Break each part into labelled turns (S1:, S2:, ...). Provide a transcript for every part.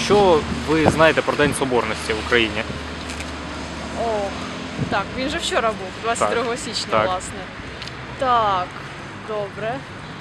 S1: Що ви знаєте про День Соборності в Україні?
S2: О, так, він же вчора був, 22 січня,
S1: так.
S2: власне. Так, добре.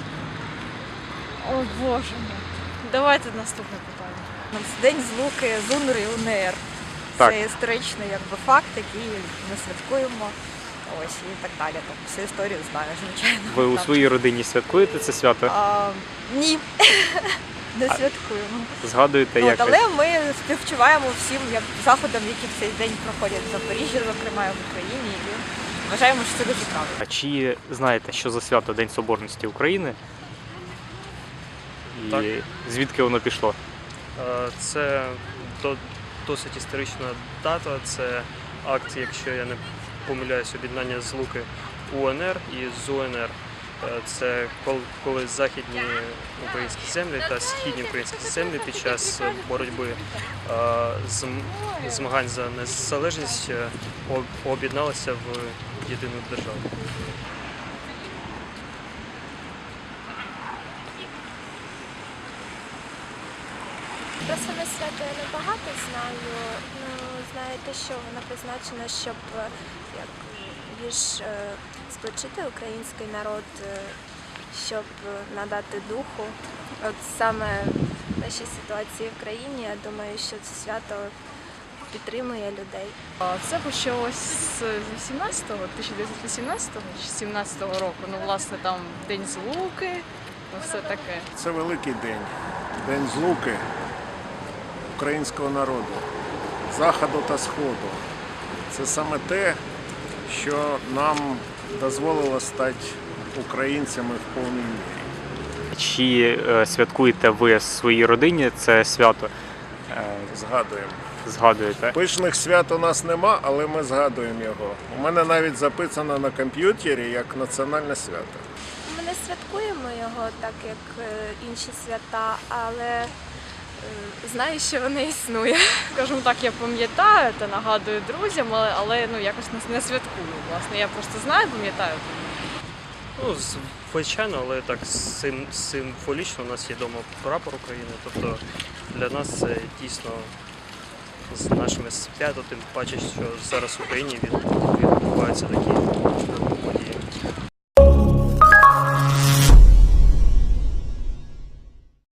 S2: О, Боже мій. Давайте наступне питання.
S3: День злуки з УНР і УНР.
S1: Так.
S3: Це історичний факт, який ми святкуємо. Ось і так далі. Так, всю історію знаю, звичайно.
S1: Ви у
S3: Так.
S1: своїй родині святкуєте це свято?
S3: Ні, не святкуємо.
S1: Згадуєте
S3: От,
S1: якось?
S3: але ми співчуваємо всім заходам, які в цей день проходять в Запоріжжі, зокрема, в Україні. І вважаємо, що це дуже правильно.
S1: А чи знаєте, що за свято День Соборності України? І
S4: Так.
S1: звідки воно пішло?
S4: Це досить історична дата, це акт, якщо я не помиляюсь, об'єднання Злуки УНР і ЗУНР. Це коли західні українські землі та східні українські землі під час боротьби змагань за незалежність об'єдналися в єдину державу.
S5: Про саме свято я не багато знаю. Знаю те, що воно призначено, щоб як більш сплочити український народ, щоб надати духу. От саме в нашій ситуації в країні, я думаю, що це свято підтримує людей.
S2: Це почалось з 1918 чи 17 року. Ну, власне, там День Злуки, ну, все таке.
S6: Це великий день, день злуки українського народу, Заходу та Сходу. Це саме те, що нам дозволило стати українцями в повній мірі.
S1: Чи святкуєте ви в своїй родині це свято?
S6: Згадуємо.
S1: Згадуєте?
S6: Пишних свят у нас нема, але ми згадуємо його. У мене навіть записано на комп'ютері як національне свято.
S5: Ми не святкуємо його так, як інші свята, але знаю, що воно існує.
S2: Скажімо так, я пам'ятаю та нагадую друзям, але ну, якось не святкую, власне. Я просто знаю, пам'ятаю.
S4: Ну, звичайно, але так символічно у нас є вдома прапор України. Тобто для нас це дійсно з нашими свято, тим паче, що зараз в Україні відбуваються такі події.